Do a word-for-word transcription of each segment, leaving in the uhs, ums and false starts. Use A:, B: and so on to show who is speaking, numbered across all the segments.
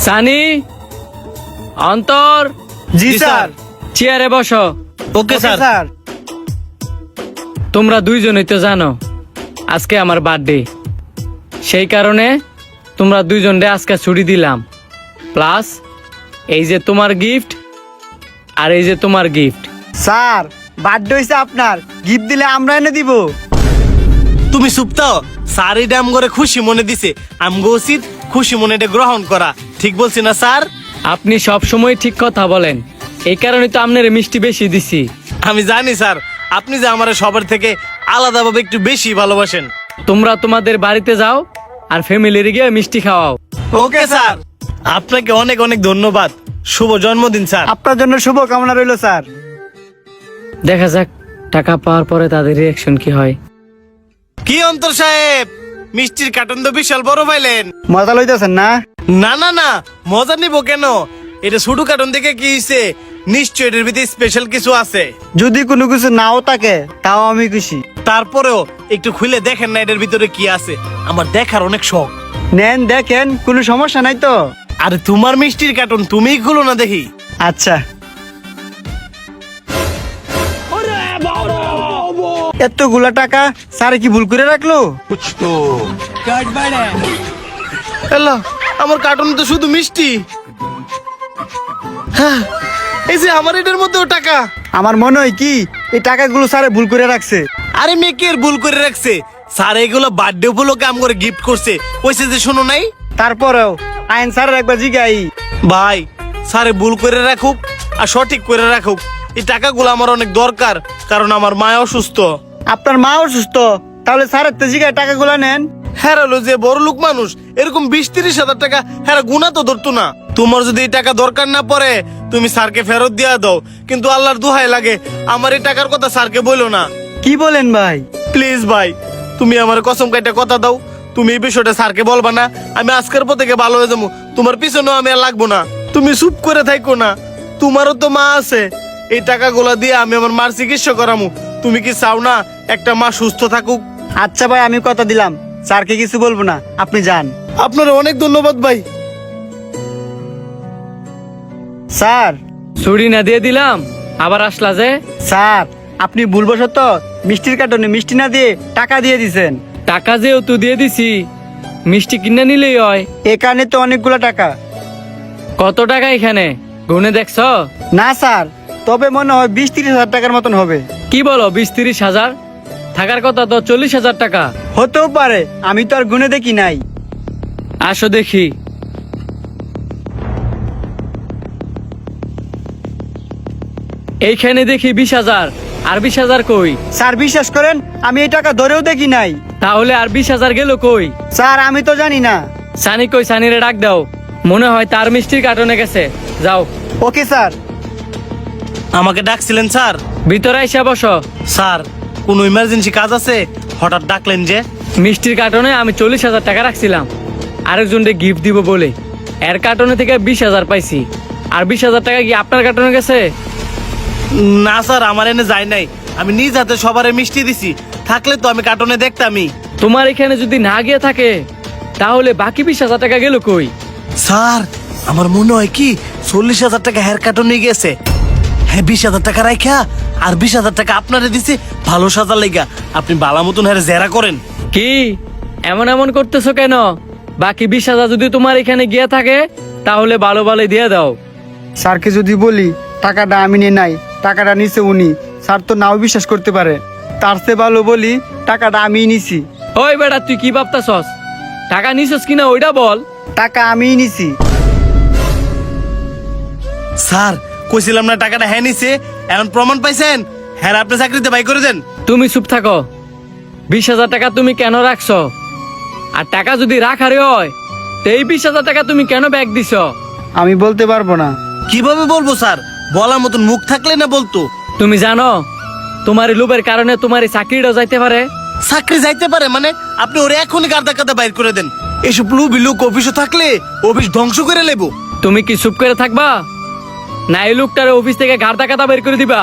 A: সানি, অন্তর।
B: জি স্যার।
A: চেয়ারে বসো।
B: Okay sir.
A: তোমরা দুইজনই তো জানো আজকে আমার বার্থডে, সেই কারণে তোমরা দুইজনরে আজকে ছুটি দিলাম। প্লাস এই যে তোমার গিফট আর এই যে তোমার গিফট।
B: স্যার বার্থডে হইছে আপনার, গিফট দিলে আমরা এনে দিব।
C: তুমি সুপ্তাও স্যার এই ডাম করে খুশি মনে দিছে, আমগো উচিত খুশি মনে এটা গ্রহণ করা। ঠিক বলছি না স্যার?
A: আপনি সব সময় ঠিক কথা বলেন, এই কারণে তো আপনার মিষ্টি বেশি দিছি।
C: আমি জানি স্যার, আপনি যে আমার সবার থেকে আলাদাভাবে একটু বেশি ভালোবাসেন।
A: তোমরা তোমাদের বাড়িতে যাও আর ফ্যামিলির গিয়ে মিষ্টি খাওয়াও।
C: Okay sir. আপনাকে অনেক অনেক ধন্যবাদ। শুভ জন্মদিন স্যার।
B: আপনার জন্য শুভ কামনা রইল স্যার।
A: দেখা যাক টাকা পাওয়ার পরে তাদের রিয়াকশন কি হয়।
C: কি অন্তর সাহেব, মিষ্টির কার্টন তো বিশাল বড় পাইলেন।
B: মজা লইতেছেন না?
C: না না না, মজা নিব কেন? এটা ছোট কার্টন দেখে কি হইছে? নিশ্চয় এটার ভিতরে স্পেশাল কিছু আছে।
B: যদি কোনো কিছু নাও থাকে তাও আমি খুশি।
C: তারপরেও একটু খুলে দেখেন না এটার ভিতরে কি আছে, আমার দেখার অনেক শখ।
B: নেন দেখেন, কোনো সমস্যা নাই তো?
C: আরে তোমার মিষ্টির কার্টন তুমিই খুলো না দেখি।
B: আচ্ছা। এতগুলা টাকা স্যার কি ভুল করে রাখলো?
C: আল্লাহ, আমার কার্টন তো শুধু মিষ্টি। হ্যাঁ, এই যে আমার এটার মধ্যেও টাকা।
B: আমার মনে হয় কি এই টাকাগুলো স্যারে ভুল করে রাখছে।
C: আরে মেয়েকে ভুল করে রাখছে স্যার, এগুলো বার্থডে উপলক্ষে আম করে গিফট করছে, কইছে যে শোনো নাই।
B: তারপরেও আইন স্যারের একবার জিগাই।
C: ভাই, স্যারে ভুল করে রাখুক আর সঠিক করে রাখুক, এই টাকাগুলো আমার অনেক দরকার, কারণ আমার মা অসুস্থ।
B: আপনার মা অসুস্থ, তাহলে স্যারের তো জিগায় টাকাগুলো নেন।
C: হেরালো যে বড় লোক মানুষ, এরকম বিশ তিরিশ হাজার টাকা হেরা গুণা তো ধরতো না। তোমার যদি এই টাকা দরকার না পড়ে তুমি স্যারকে ফেরত দিয়া দাও, কিন্তু আল্লাহর দোহাই লাগে আমার এই টাকার কথা স্যারকে বলো না।
B: কি বলেন ভাই?
C: প্লিজ ভাই, তুমি আমার কসম কাইটা কথা দাও, তুমি এই বিষয়টা স্যারকে বলবা না। আমি আজকের পর থেকে ভালো হয়ে যাবো, তোমার পিছনেও আমি আর লাগবো না। তুমি চুপ করে থাকো না, তোমারও তো মা আছে। এই টাকাগুলা দিয়ে আমি আমার মার চিকিৎসা করামু। তুমি কি চাও না একটা মা সুস্থ থাকুক?
B: আচ্ছা ভাই, আমি কথা দিলাম স্যারকে কিছু বলবো না, আপনি যান।
C: আপনার অনেক ধন্যবাদ ভাই।
B: স্যার।
A: ছুরি না দিয়ে দিলাম, আবার আসলা যে?
B: স্যার, আপনি ভুলবশত মিষ্টির কার্টনে মিষ্টি না দিয়ে টাকা দিয়ে দিছেন।
A: টাকা যেহেতু দিয়ে দিছি, মিষ্টি কিনে নিলেই হয়।
B: এ কারণে তো অনেকগুলো টাকা।
A: কত টাকা এখানে গুনে দেখছ?
B: না স্যার, তবে মনে হয় বিশ তিরিশ হাজার টাকার মতন হবে।
A: কি বলো, বিশ তিরিশ হাজার? থাকার কথা তো চল্লিশ হাজার টাকা।
B: হতেও পারে, আমি তো আর গুনে দেখি নাই।
A: আসো দেখি। এইখানে দেখি বিশ হাজার। আর বিশ হাজার কই?
B: স্যার বিশ্বাস করেন, আমি এই টাকা ধরেও দেখি নাই।
A: তাহলে আর বিশ হাজার গেল কই?
B: স্যার আমি তো জানি না।
A: সানি কই? সানিরে ডাক দাও, মনে হয় তার মিষ্টির কার্টনে গেছে। যাও।
B: Okay sir.
C: আমাকে ডাকছিলেন স্যার?
A: ভিতরে এসে বসো।
C: স্যার, কোনো ইমার্জেন্সি কাজ আছে? হঠাৎ ডাকলেন যে?
A: মিষ্টির কার্টনে আমি চল্লিশ হাজার টাকা রাখছিলাম আরেকজনকে গিফট দিব বলে। এর কার্টনে থেকে বিশ হাজার পাইছি, আর বিশ হাজার টাকা কি আপনার কার্টনে গেছে?
C: না স্যার, আমার এনে যায় নাই, আমি নিজ হাতে সবারে মিষ্টি দিছি। থাকলে তো আমি কার্টনে দেখতামই।
A: তোমার এখানে যদি না গিয়ে থাকে তাহলে বাকি বিশ হাজার টাকা গেল কই?
C: স্যার, আমার মনে হয় কি চল্লিশ হাজার টাকা হেয়ার কার্টনে গেছে। হ্যাঁ, বিশ হাজার টাকা রাখা আর বিশ হাজার টাকা আপনারে দিছে ভালো সাজার লেগা। আপনি বালা মতন হ্যাঁ জেরা করেন।
A: কি এমন এমন করতেছো কেন? বাকি বিশ হাজার যদি তোমার এখানে গিয়ে থাকে তাহলে ভালো ভালো দিয়ে দাও।
B: স্যারকে যদি বলি টাকাটা আমি নিয়ে নাই, টাকাটা নিছে উনি, স্যার তো নাও বিশ্বাস করতে পারে। তার চেয়ে ভালো বলি টাকাটা আমিই নিছি।
A: ওই বেটা, তুই কি ভাবতাছস? টাকা নিছস কিনা ওইটা বল।
B: টাকা আমিই নিছি।
C: স্যার, কইছিলাম না টাকাটা হ্যাঁ নিছে, এখন প্রমাণ পাইছেন। হ্যাঁ, আপনি চাকরিতে বাই করে দেন।
A: তুমি চুপ থাকো। বিশ হাজার টাকা তুমি কেন রাখছো? আর টাকা যদি রাখারে হয় তো এই বিশ হাজার টাকা তুমি কেন ব্যাগ দিছ?
B: আমি বলতে পারবো না।
C: কিভাবে বলবো স্যার? বলার মতন মুখ থাকলে না বলতো।
A: তুমি জানো তোমার এই লোভের কারণে তোমার এই চাকরিটাও যাইতে পারে।
C: চাকরি যাইতে পারে মানে? আপনি ওরে এখনই গাদা গাদা বাইর করে দেন। এসব লুবি লোক অফিসে থাকলে অফিস ধ্বংস করে লেবো।
A: তুমি কি চুপ করে থাকবা, না এই লোকটার অফিস থেকে গাড়দা কাদা বের করে দিবা?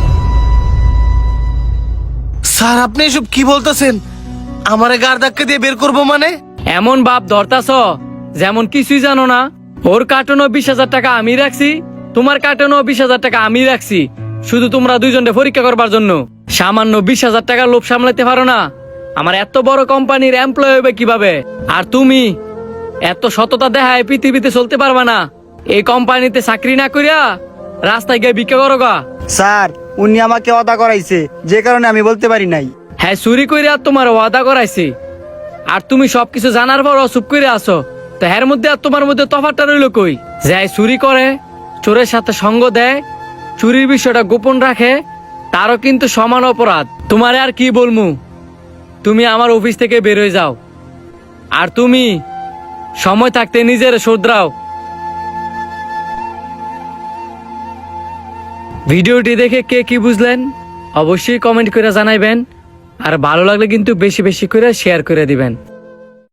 C: স্যার, আপনি এসব কি বলতেছেন? আমারে গার ধাক্কা দিয়ে বের করবো মানে?
A: এমন বাপ ধরতাছ যেমন কিছুই জানো না। ওর কার্টনও বিশ হাজার টাকা আমি রাখছি, তোমার কার্টনও বিশ হাজার টাকা আমি রাখছি, শুধু তোমরা দুইজনকে পরীক্ষা করবার জন্য। সামান্য বিশ হাজার টাকা লোভ সামলাতে পারো না? আমার এত বড় কোম্পানির এমপ্লয় হবে কিভাবে? আর তুমি এত সততা দেখায় পৃথিবীতে চলতে পারবা না। এই কোম্পানিতে চাকরি না করিয়া রাস্তায় গিয়ে ভিক্ষা করো গা।
B: স্যার, উনি আমাকে অদা করাইছে, যে কারণে আমি বলতে পারি নাই।
A: হ্যাঁ, চুরি কইরা তোমার ওয়াদা করাইছি, আর তুমি সবকিছু জানার পরও চুপ করে আসো। তো এর মধ্যে আর তোমার মধ্যে তফাৎটা রইল কই? যাই চুরি করে, চোরের সাথে সঙ্গ দেয়, চুরির বিষয়টা গোপন রাখে, তারও কিন্তু সমান অপরাধ। তোমারে আর কি বলমু, তুমি আমার অফিস থেকে বের হয়ে যাও, আর তুমি সময় থাকতে নিজের শোধরাও। ভিডিওটি দেখে কে কি বুঝলেন অবশ্যই কমেন্ট করে জানাইবেন, আর ভালো লাগলে কিন্তু বেশি বেশি করে শেয়ার করে দিবেন।